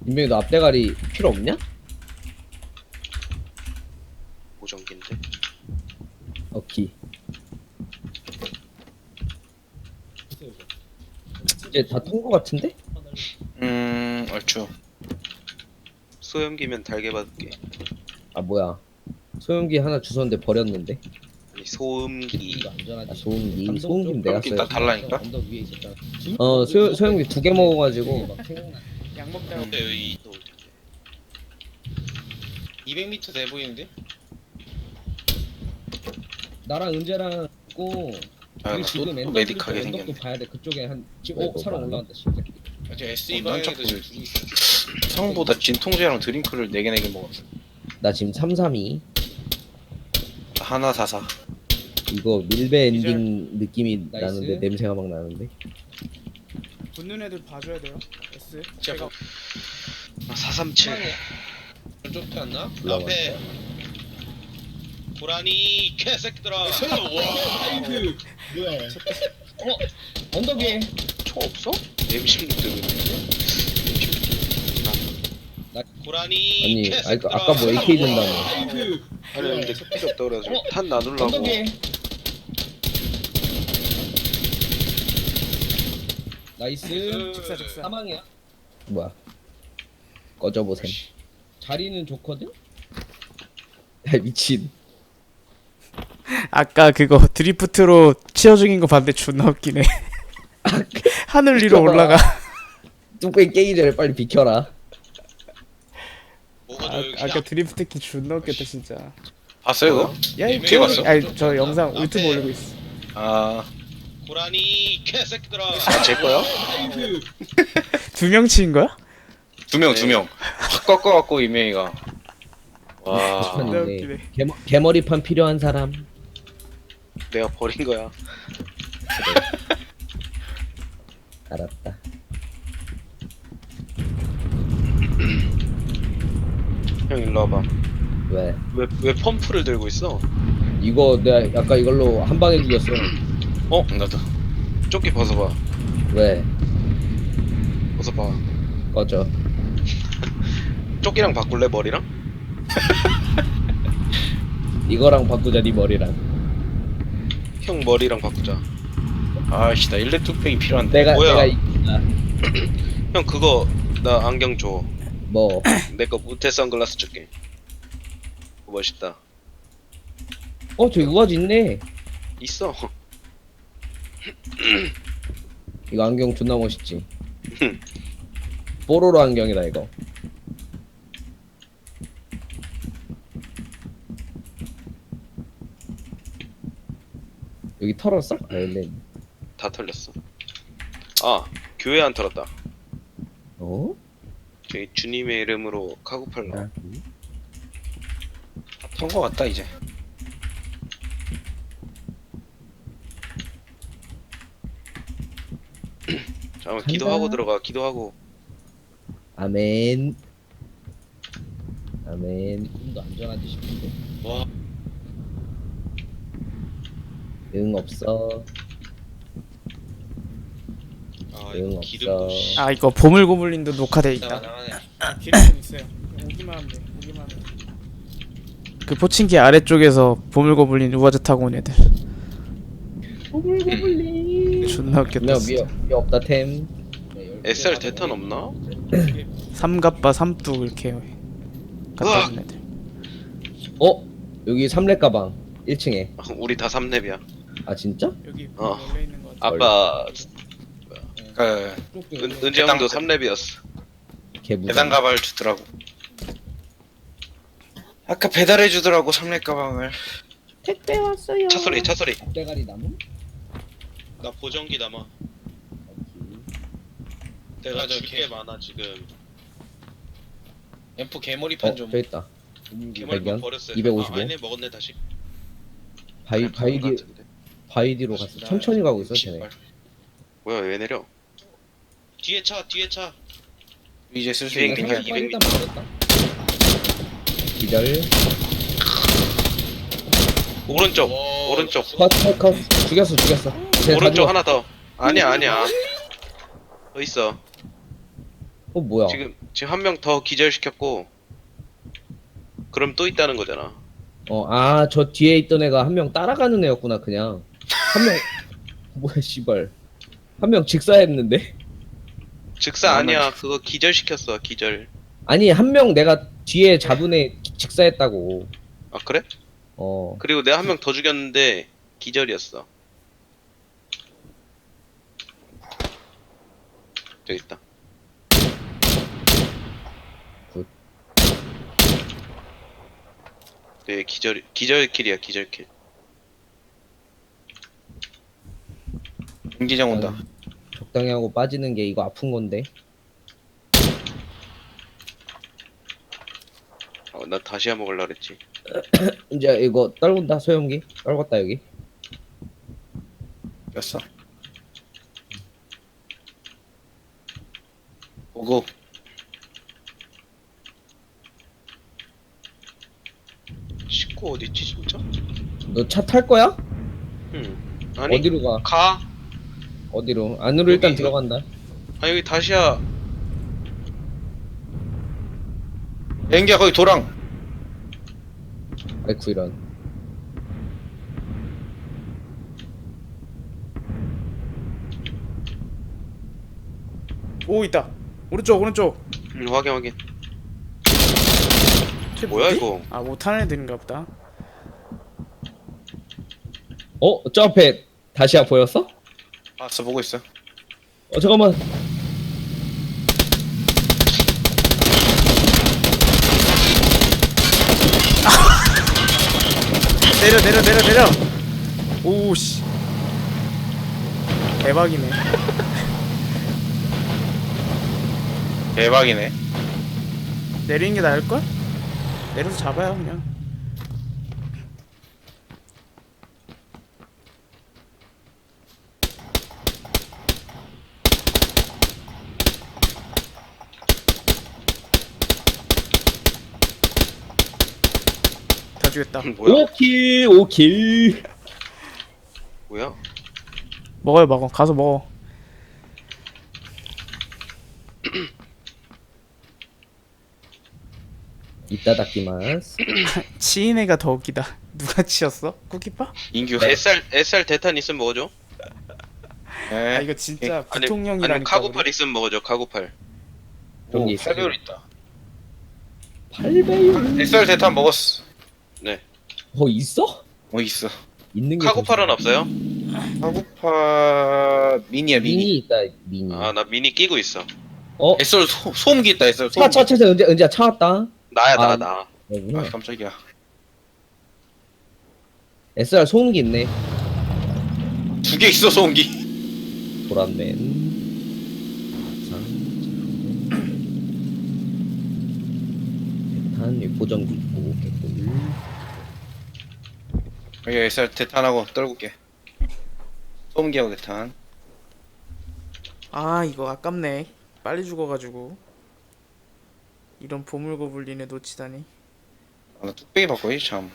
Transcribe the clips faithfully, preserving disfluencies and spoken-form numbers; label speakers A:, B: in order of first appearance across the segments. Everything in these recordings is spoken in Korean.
A: 인명이 너 앞대가리 필요 없냐?
B: 보정기인데.
A: 오케이. 이제 다 튼 거 같은데?
C: 음 얼추.
B: 소염기면 달게 받을게.
A: 아 뭐야? 소형기 하나 주웠는데 버렸는데.
B: 아니 소음기.
A: 아, 소음기. 소음기 내가
C: 소음기
A: 써야
C: 딱 달라니까?
A: 어 소, 소형기 두 개 먹어가지고
D: 약 먹다가
B: 근데 여기 또
C: 이백 미터 돼 보이는데?
A: 나랑 은재랑 있고
C: 아,
A: 우리
C: 또-
A: 지금
C: 또
A: 엔더
C: 메딕하게
A: 엔더도
C: 생겼네.
A: 봐야 돼. 그쪽에 한 지금
E: 아이고,
A: 오 사람
E: 많네.
A: 올라간다 신새끼.
C: 저 에스이
E: 어, 난
C: 방에도
E: 자꾸-
C: 둘이 있어. 성보다 진통제랑 드링크를 네 개 네 개 먹었어.
A: 나 지금 삼삼이.
C: 하나 사사.
A: 이거 밀배
D: 이제-
A: 엔딩 느낌이
D: 나이스.
A: 나는데 냄새가 막 나는데.
D: 붙는 애들 봐줘야 돼요. S.
C: 제가
B: 아, 사삼칠.
C: 좁지 않나?
A: 올라와.
B: 고라니 개새끼들아.
A: 언덕 위에.
B: 총 없어? 엠십육 들고 있는데. 고라니
A: 아니
B: 개새끼들아.
A: 아, 아까 뭐 에이케이 든다며.
B: 아니 근데 필요 없다 그래가지고
A: 어?
B: 탄 나누려고.
A: 언덕 위에. 나이스.
D: 직사 직사.
A: 사망이야. 뭐야? 꺼져보셈. 자리는 좋거든? 야 미친.
F: 아까 그거 드리프트로 치어 중인 거 봤는데 존나 웃기네. 하늘 위로
A: 미쳐봐.
F: 올라가.
A: 뚝배기 깨기 전에 빨리 비켜라.
B: 뭐가
F: 아,
B: 저 여기
F: 아까 드리프트 키 존나 웃겼다 진짜.
C: 봤어요 이거?
F: 야, 이
C: 어떻게 네, 봤어?
F: 아니 저 영상 유튜브 올리고 있어.
C: 아,
B: 고라니 개새끼들아.
C: 아, 제 거야?
F: 두 명 치인 거야?
C: 두 명, 두 명. 확 꺾어갖고 이명이가. 와,
F: 존나
A: 아닌데.
F: 웃기네.
A: 개머, 개머리판 필요한 사람.
B: 내가 버린 거야.
A: 알았다.
B: 형 일로 와봐.
A: 왜?
B: 왜 왜 펌프를 들고 있어?
A: 이거 내가 아까 이걸로 한 방에 죽였어.
C: 어? 나도.
B: 조끼 벗어봐.
A: 왜?
B: 벗어봐.
A: 꺼져.
B: 조끼랑 바꿀래 머리랑?
A: 이거랑 바꾸자 네 머리랑.
B: 형 머리랑 바꾸자.
C: 아씨, 나 일렙 뚝배기 필요한데.
A: 내가
B: 뭐야?
A: 내가 이긴다.
B: 형 그거 나 안경 줘.
A: 뭐?
B: 내 거 무태 선글라스 줄게. 멋있다.
A: 어, 저 우아지 있네.
B: 있어.
A: 이거 안경 존나 멋있지. 뽀로로 안경이다 이거. 여기 털었어? 아, 근데
B: 다 털렸어. 아 교회 안 털었다.
A: 어?
B: 저희 주님의 이름으로 카고팔로.
A: 아,
C: 턴거 같다 이제.
B: 잠깐만 기도하고 들어가. 기도하고.
A: 아멘. 아멘. 좀 더 안전하지 싶은데.
B: 와.
A: 응 없어.
B: 아
A: 응
B: 이거 기름
A: 없어.
B: 부시.
F: 아 이거 보물고블린도 녹화돼 있다.
D: 기름은 있어요. 오기만 하면 돼. 오기만 하면 돼.
F: 그 포칭기 아래쪽에서 보물고블린 우아즈 타고 온 애들.
A: 보물고블린.
F: 존나 웃겼다.
A: 나
F: 진짜.
A: 위에 위에 없다 템.
B: 에스알 대탄 없나?
F: 삼갑바 삼뚝 이렇게 갖다
B: 우와.
F: 준 애들.
A: 어? 여기 삼렙 가방 일 층에.
B: 우리 다 삼렙이야.
A: 아 진짜?
D: 여기
B: 어.
D: 열려 있는 거 같아.
B: 아빠
C: 그
B: 은, 은재 형도
C: 대당-
B: 삼렙이었어.
A: 개부.
C: 배당 가발 주더라고. 아까 배달해 주더라고 삼렙 가방을.
A: 택배 왔어요.
B: 차 소리 차 소리.
A: 대가리 나무?
B: 나 보정기 남아. 내가
C: 맞아,
B: 줄 게 많아 지금.
C: 엠포 개머리판
A: 어,
C: 좀.
A: 저 있다.
B: 개머리만
A: 발견.
B: 버렸어요.
A: 이백오십오.
B: 아, 아니네 먹었네 다시.
A: 바이
B: 그냥 가는 것
A: 바이디
B: 같은데.
A: 바이디로 갔어. 천천히 가고 있어 쟤네.
C: 씨발.
B: 뭐야 왜 내려? 뒤에 차 뒤에 차.
C: 이제 슬슬
B: 이백
C: 이기냐?
B: 이백
A: 일단 먹었다. 기절.
B: 오른쪽
C: 오,
B: 오른쪽
A: 컷, 컷, 컷. 죽였어, 죽였어. 쟤다
B: 오른쪽
A: 죽었어.
B: 하나 더. 아니야 아니야. 더 있어.
A: 어 뭐야?
B: 지금 지금 한 명 더 기절시켰고 그럼 또 있다는 거잖아.
A: 어, 아, 저 뒤에 있던 애가 한 명 따라가는 애였구나, 그냥. 한 명, 뭐야, 씨발. 한 명 직사했는데?
B: 즉사
C: 아,
B: 아니야. 그거 기절시켰어. 기절.
A: 아니, 한 명 내가 뒤에 잡은 애 직사했다고.
B: 아 그래?
A: 어,
B: 그리고 내가 한 명 더 죽였는데 기절이었어. 저기 있다.
A: 굿.
B: 네, 기절 기절킬이야. 기절킬.
C: 경기장 온다.
A: 적당히 하고 빠지는 게 이거 아픈 건데.
B: 어, 나 다시야 먹으려 그랬지.
A: 이제 이거 떨군다, 소형기. 떨궜다, 여기.
C: 였어. 오고.
B: 식구 어딨지 진짜?
A: 너 차 탈 거야?
B: 응. 아니
A: 어디로 가?
B: 가.
A: 어디로? 안으로 일단
B: 여기,
A: 들어간다.
B: 아 여기 다시야.
C: 비행기야 거기 도랑.
A: 아이쿠, 이런.
F: 오 있다. 오른쪽 오른쪽.
B: 응, 확인 확인.
F: 쟤
B: 뭐야
F: 뭐지?
B: 이거?
F: 아 못하는 애들인가 보다.
A: 어? 저 앞에 다시야 보였어?
C: 봤어 보고 있어.
A: 어, 잠깐만.
F: 내려 내려 내려 내려. 오씨. 대박이네.
C: 대박이네.
F: 내리는 게 나을 걸? 내려서 잡아요 그냥. 다 죽였다.
B: 뭐야?
A: 오킬, 오킬.
B: 뭐야?
F: 먹어요 먹어. 가서 먹어.
A: 이따다키마스.
F: 치인 애가 더 웃기다. 누가 치였어? 쿠키파?
C: 인규.
B: 에스알 에스알 대탄 있으면 먹어줘.
C: 네.
F: 아 이거 진짜
B: 아니,
F: 부통령이라니까.
B: 아니 카고팔
F: 우리.
B: 있으면 먹어줘. 카고팔.
C: 오,
A: 여기
C: 팔 배율 있다.
A: 팔 배율.
C: 엑스알 대탄 먹었어.
B: 네.
A: 어, 있어?
C: 어 있어.
A: 있는 게.
B: 카고팔은
A: 더
B: 없어요?
C: 카고파 미니야
A: 미니
C: 미니.
A: 있다, 미니.
B: 아 나 미니 끼고 있어.
A: 어?
C: 엑스알 소, 소음기 있다 엑스알
A: 차,
C: 소음기.
A: 차, 차, 차, 은재, 은재야, 차 왔다.
B: 나야 나
A: 아.
B: 나.
A: 여구나.
C: 아 깜짝이야.
A: 에스알 소음기 있네.
C: 두 개 있어 소음기.
A: 도란맨. 대탄, 보정기 있고, 개꿀.
C: 여기 엑스알 대탄하고 떨굴게. 소음기하고 대탄.
F: 아 이거 아깝네. 빨리 죽어가지고. 이런 보물고블린에 놓치다니.
C: 아, 나 뚝배기 바꿔야지 참.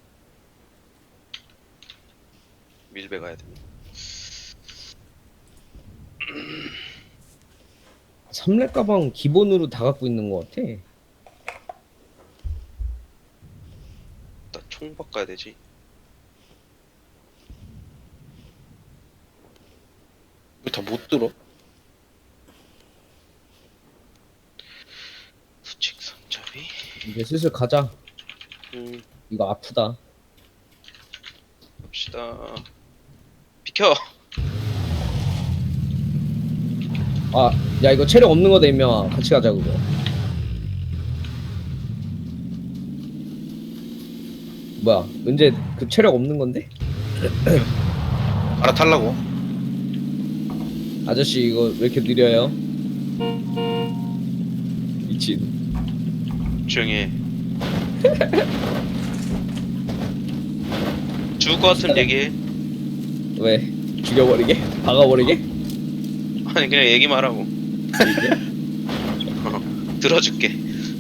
B: 밀배 가야 돼.
A: 삼렙 가방 기본으로 다 갖고 있는 것 같아.
B: 나 총 바꿔야 되지.
C: 왜 다 못 들어?
B: 수직 상잡이.
A: 이제 슬슬 가자.
B: 음
A: 이거 아프다.
B: 갑시다. 비켜.
A: 아, 야, 이거 체력 없는 거다, 임명아. 같이 가자, 그거. 뭐야, 은재 그 체력 없는 건데?
C: 알아탈라고.
A: 아저씨, 이거 왜 이렇게 느려요? 미친.
B: 조용히 해. 죽을 것 같으면 얘기해.
A: 왜? 죽여버리게? 박아버리게?
B: 아니 그냥 얘기만 하고. 들어줄게.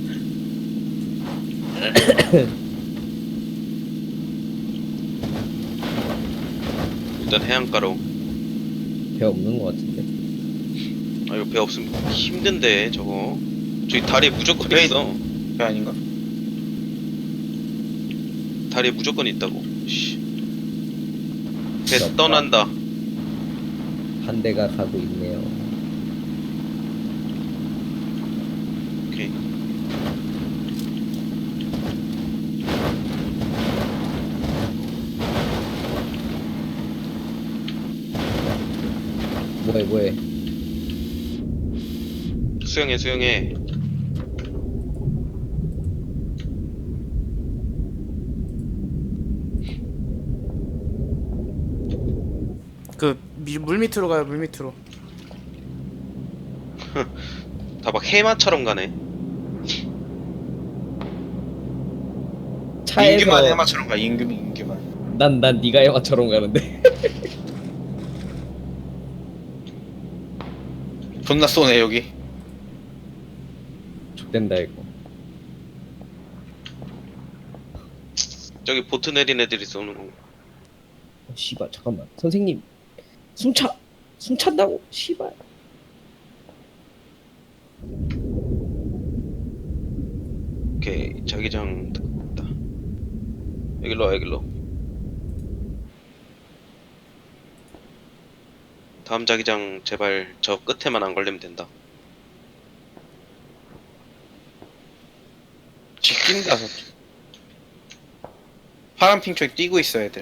B: 일단 해안가로.
A: 배 없는 것 같은데.
B: 아 이거 배 없으면 힘든데 저거. 저기 다리에 무조건
C: 왜?
B: 있어.
C: 배 아닌가?
B: 다리에 무조건 있다고. 씨. 배
A: 없다.
B: 떠난다.
A: 한 대가 가고 있네요.
B: 오케이.
A: 뭐해 뭐해.
B: 수영해 수영해.
F: 그 물 밑으로 가요. 물 밑으로.
B: 다 막 해마처럼 가네.
A: 차에서
C: 인규만 해마처럼 가. 인규 인규만.
A: 난 난 네가 영화처럼 가는데.
C: 존나 쏘네 여기.
A: X된다 이거.
B: 저기 보트 내린 애들이 쏘는 거.
A: 어, 씨발 잠깐만. 선생님 숨차 숨찬다고. 씨발.
B: 오케이 자기장 됐다. 여기로 와 여기로. 다음 자기장 제발 저 끝에만 안 걸리면 된다.
C: 지킨다. 파란 핑 쪽에 뛰고 있어 애들.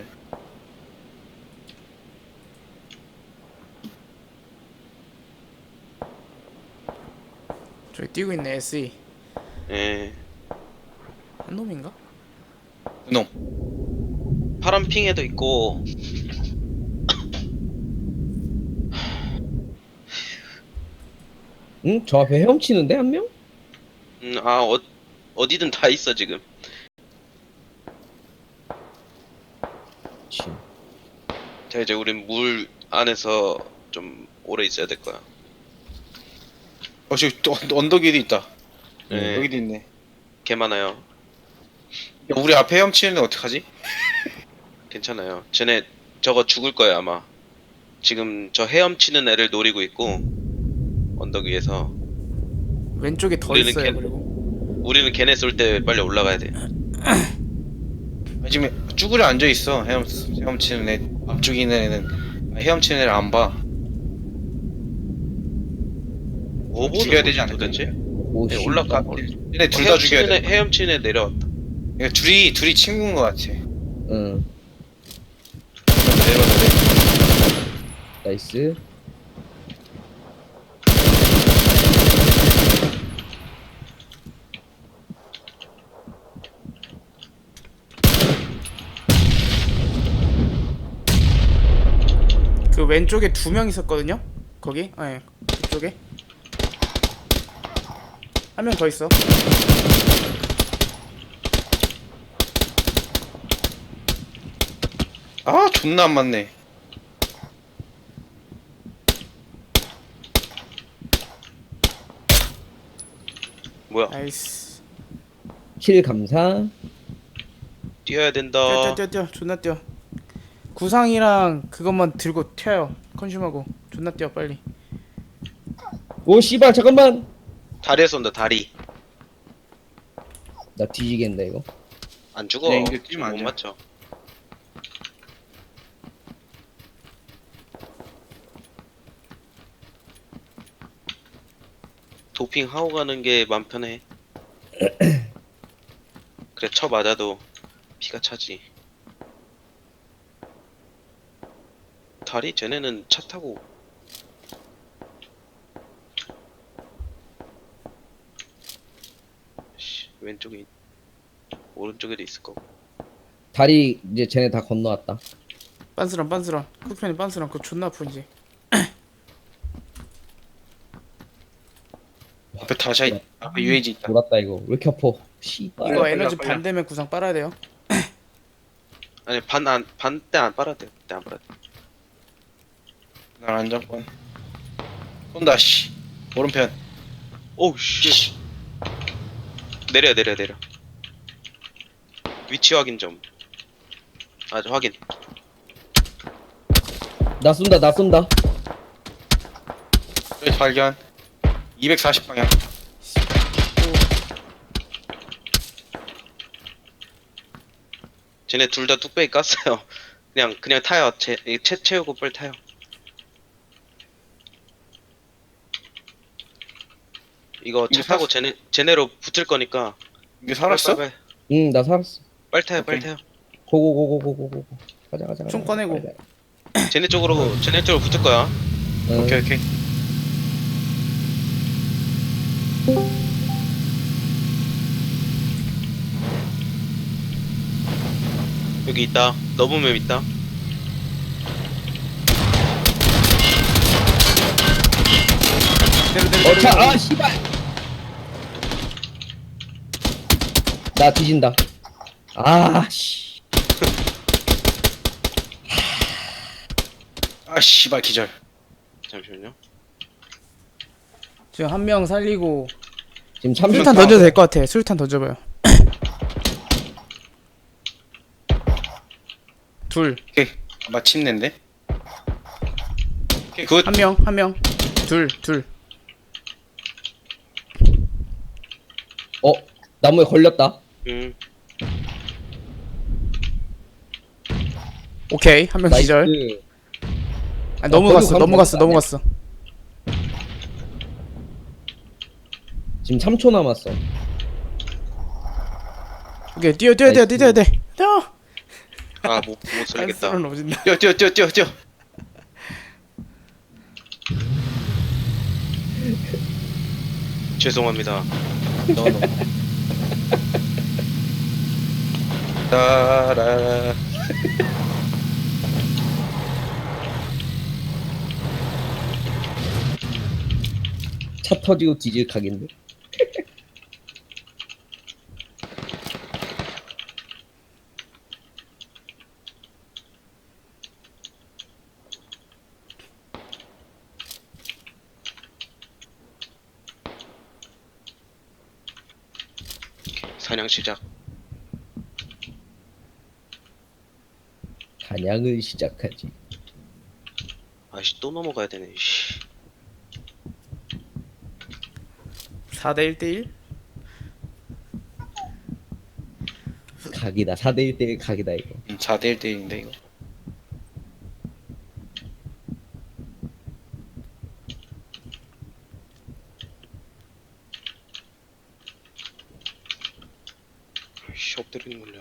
F: 저기 뛰고 있네. 에스이.
B: 예.
F: 한 놈인가?
C: 그놈.
B: 파란 핑에도 있고.
A: 응? 저 앞에 헤엄치는데 한 명?
B: 음, 아 어, 어디든 다 있어 지금.
A: 지.
B: 자 이제 우린 물 안에서 좀 오래 있어야 될 거야.
C: 어 저기 또 언- 언덕 위에도 있다.
B: 네.
C: 여기도 있네.
B: 개 많아요.
C: 야, 우리 앞에 헤엄치는데 어떡하지?
B: 괜찮아요. 쟤네 저거 죽을 거야 아마. 지금 저 헤엄치는 애를 노리고 있고 언덕 위에서.
F: 왼쪽에 더
B: 우리는
F: 있어요.
B: 걔-
F: 그리고
B: 우리는 걔네 쏠 때 빨리 올라가야 돼.
C: 아, 지금 쭈그려 앉아 있어. 헤엄 헤엄치는 애 앞쪽에 있는 애는 헤엄치는 애를 안 봐.
B: 오버는
C: 죽여야
B: 뭐지,
C: 되지 않을까?
B: 도대체?
A: 오
B: 네,
A: 씨.
B: 올라가.
C: 얘네 둘 다 죽여야
B: 헤엄치는 애,
C: 돼.
B: 헤엄치는 애 내려왔다.
C: 그러니까 둘이 둘이 친구인 것 같아.
A: 응.
C: 내려와 내려.
A: 나이스.
F: 그 왼쪽에 두 명 있었거든요. 거기. 아, 예. 그쪽에. 한 명 더 있어.
C: 아 존나 안 맞네.
B: 뭐야?
F: 나이스.
A: 킬 감사.
B: 뛰어야 된다.
F: 뛰어 뛰어 뛰어. 존나 뛰어. 구상이랑 그것만 들고 튀어요. 컨슘하고. 존나 뛰어 빨리.
A: 오 씨발 잠깐만.
B: 다리에 쏜다 다리.
A: 나 뒤지겠네 이거.
B: 안 죽어.
C: 네, 이거
B: 지금
C: 뛰면 안
B: 못
C: 돼.
B: 맞춰. 도핑 하고 가는 게 맘 편해. 그래 쳐 맞아도 피가 차지. 다리 쟤네는 차 타고. 씨, 왼쪽에 있- 오른쪽에도 있을 거고.
A: 다리 이제 쟤네 다 건너왔다.
F: 빤스런 빤스런. 쿠편이 빤스런. 그거 존나 아프지.
C: 앞에 다시 있- 앞에 유에이지 있다.
A: 돌았다 이거. 왜 이렇게 아파? 씨발.
F: 이거
C: 빨리
F: 에너지
C: 빨리.
F: 반대면 구상 빨아야 돼요.
B: 아니 반 안 반 때 안 빨아도 돼. 때 안 빨아도 돼.
C: 날 안정권. 쏜다 씨. 오른편.
B: 오우 씨. 내려 내려 내려. 위치 확인 좀. 아주 확인.
A: 나 쏜다 나 쏜다.
C: 여기 발견. 이백사십 방향.
B: 쟤네 둘 다 뚝배기 깠어요. 그냥 그냥 타요. 제, 이 채 채우고 빨리 타요. 이거 차
C: 이거
B: 타고
C: 사-
B: 쟤네 쟤네로 붙을 거니까.
C: 이게 살았어?
B: 빨리,
A: 응, 나 살았어.
B: 빨리 타요. 빨리
C: 오케이.
B: 타요.
A: 고고고고고고고. 가자, 가자, 가자.
F: 총 꺼내고.
A: 가자.
B: 쟤네 쪽으로 쟤네 쪽으로 붙을 거야.
A: 응.
C: 오케이 오케이.
B: 여기 있다. 너브맵 있다.
F: 내려 내려
A: 어, 차,
F: 내려.
A: 아, 씨발! 나 뒤진다. 아, 씨.
C: 아 씨발 기절.
B: 잠시만요.
F: 지금 한 명 살리고
A: 지금 삼
F: 술탄 던져도 될 것 같아. 술탄 던져봐요. 둘.
C: 오케이. 마침내인데. 오케이 굿.
F: 한 명, 한 명. 둘, 둘.
A: 어, 나무에 걸렸다.
B: 음.
F: 오케이. 한 명 기절.
A: 나이스.
F: 아, 넘어갔어,
A: 버리고
F: 넘어갔어,
A: 가면
F: 넘어갔어.
A: 지금 삼 초 남았어.
F: 오케이, 뛰어, 뛰어, 뛰어,
A: 나이스.
F: 뛰어야 돼. 뛰어.
B: 아, 못, 못 살겠다.
F: 안 넘어진다.
C: 뛰어 뛰어 뛰어 뛰어 뛰어.
B: 죄송합니다.
C: 너 너. 따라.
A: 차 터지고 뒤질 각인데.
B: 사냥 시작.
A: 사냥을 시작하지.
B: 아씨 또 넘어가야 되네. 씨.
F: 사 대 일 대 일.
A: 각이다. 사 대 일 대 일 각이다, 이거.
C: 음, 사 대 일 대 일인데 이거.
B: 씨 엎드리는 걸려.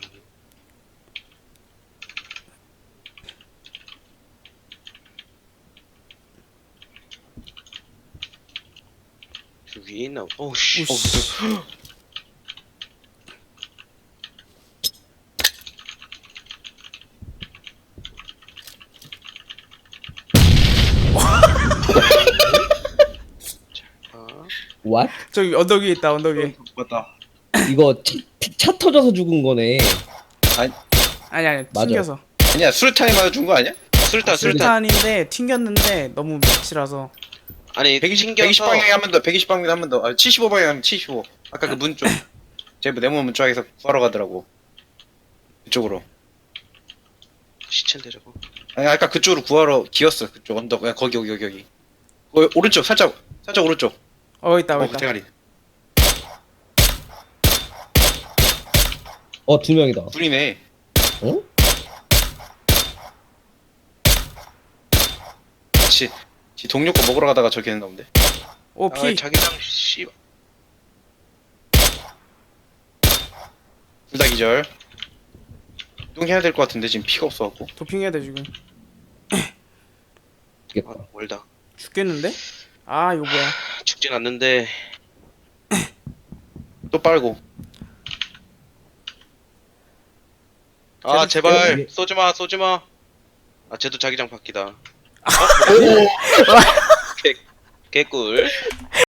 B: 저 위에 있나? 어우씨.
F: 우씨.
B: 아,
A: What?
F: 저기 언덕 위에 있다, 언덕 위에.
C: 맞다.
A: 이거 차, 차 터져서 죽은 거네.
F: 아니 아니,
A: 맞아.
F: 튕겨서.
C: 아니야 술탄이 맞아준 거 아니야?
B: 술탄 술탄.
F: 술탄인데 튕겼는데 너무 밑이라서.
B: 아니
C: 백이십,
B: 튕겨서
C: 백이십 방향에 한 번 더, 백이십 방향에 한 번 더. 아, 칠십오 방향에 하면 칠십오. 아까 그 문 쪽. 제 네모 문 쪽에서 구하러 가더라고. 그쪽으로.
B: 시체인데 저거.
C: 아니, 아까 그쪽으로 구하러 기었어. 그쪽 언덕. 야, 거기, 여기, 여기, 여기. 어, 오른쪽, 살짝, 살짝 오른쪽.
F: 어 있다, 어
C: 어,
F: 있다.
C: 대가리.
A: 어, 두 명이다.
C: 둘이네.
A: 어?
C: 지, 지 동료 거 먹으러 가다가 저기 했나 본데.
F: 오
B: 아,
F: 피.
B: 자기장 씨.
C: 둘 다 기절. 이동해야 될 것 같은데, 지금 피가 없어갖고.
F: 도핑해야 돼 지금.
A: 죽겠다.
B: 아, 멀다.
F: 죽겠는데? 아 이거 뭐야?
B: 죽진 않는데.
C: 또 빨고.
B: 아
A: 쟤도
B: 제발
A: 죽여요.
B: 쏘지 마, 쏘지 마. 아 쟤도 자기장 바뀌다. 어? 개, 개꿀.